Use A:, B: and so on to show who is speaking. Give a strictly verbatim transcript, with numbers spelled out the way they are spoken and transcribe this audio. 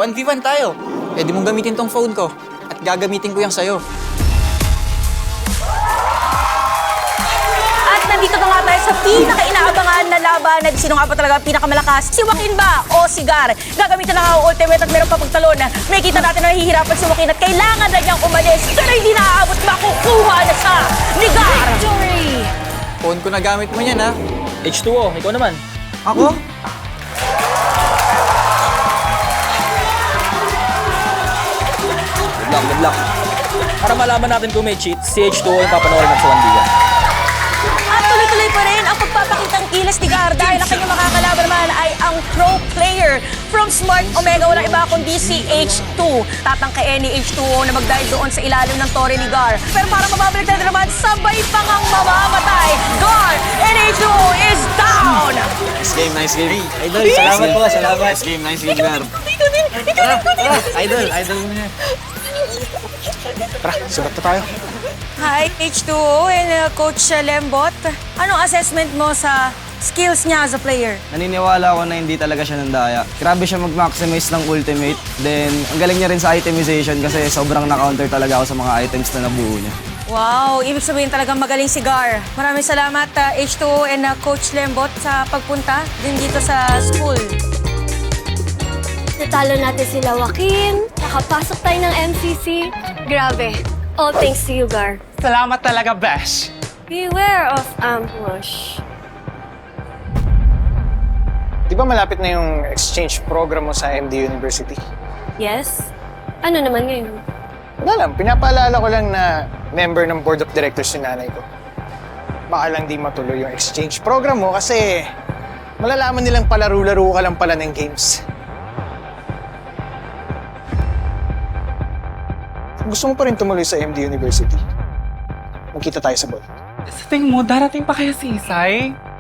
A: one v one tayo. Pwede mong gamitin tong phone ko. At gagamitin ko yan sa'yo.
B: At nandito na nga tayo sa pinaka-inaabangan na laban. Sino nga ba talaga ang pinakamalakas? Si Joaquin ba o si Gar? Gagamitin na nga ang ultimate at meron pa pagtalon. May kita natin na nahihirapan si Joaquin at kailangan na niyang umalis. Pero hindi naaabot, makukuha na siya ni Gar! Victory!
A: Phone ko na gamit mo yan, ha?
C: H two O, ikaw naman.
A: Ako?
C: Good luck, good luck. Para malaman natin kung may cheat, si H two O yung papanoorin natin sa one v one.
B: At tuloy-tuloy pa rin ang pagpapakitang kilos ni Gar dahil ang kanyang makakalaban naman ay ang pro player from Smart Omega. Walang iba kundi si H two. Tatangkain ni H two O na mag-dive doon sa ilalim ng tore ni Gar. Pero para mababalik na naman, sabay pa ngang mamamatay. Gar and H two O is down!
A: Nice game, nice game.
C: Idol, salamat po, salamat.
A: Nice game, nice game, Gar.
B: Ikaw din! Ikaw din! Ikaw din!
C: Idol, idol mo niya.
A: Tara, sulat na tayo.
B: Hi, H two O and uh, Coach uh, Lembot. Anong assessment mo sa skills niya as a player?
D: Naniniwala ako na hindi talaga siya nandaya. Grabe siya mag-maximize ng ultimate. Then, ang galing niya rin sa itemization kasi sobrang na-counter talaga ako sa mga items na nabuo niya.
B: Wow, ibig sabihin talagang magaling si Gar. Maraming salamat uh, H two O and uh, Coach Lembot sa pagpunta din dito sa school.
E: Natalo natin sila Joaquin, nakapasok tayo ng M C C. Grabe. All thanks to you, Gar.
F: Salamat talaga, Besh.
E: Beware of ambush.
F: Di ba malapit na yung exchange program mo sa M D University?
E: Yes? Ano naman ngayon?
F: Wala lang, pinapaalala ko lang na member ng board of directors yung nanay ko. Baka lang di matuloy yung exchange program mo kasi malalaman nilang palaro-laro ka lang pala ng games. Gusto mo pa rin tumuloy sa M D University? Magkita tayo sa ball.
G: Sa tingin mo, darating pa kaya si Isay?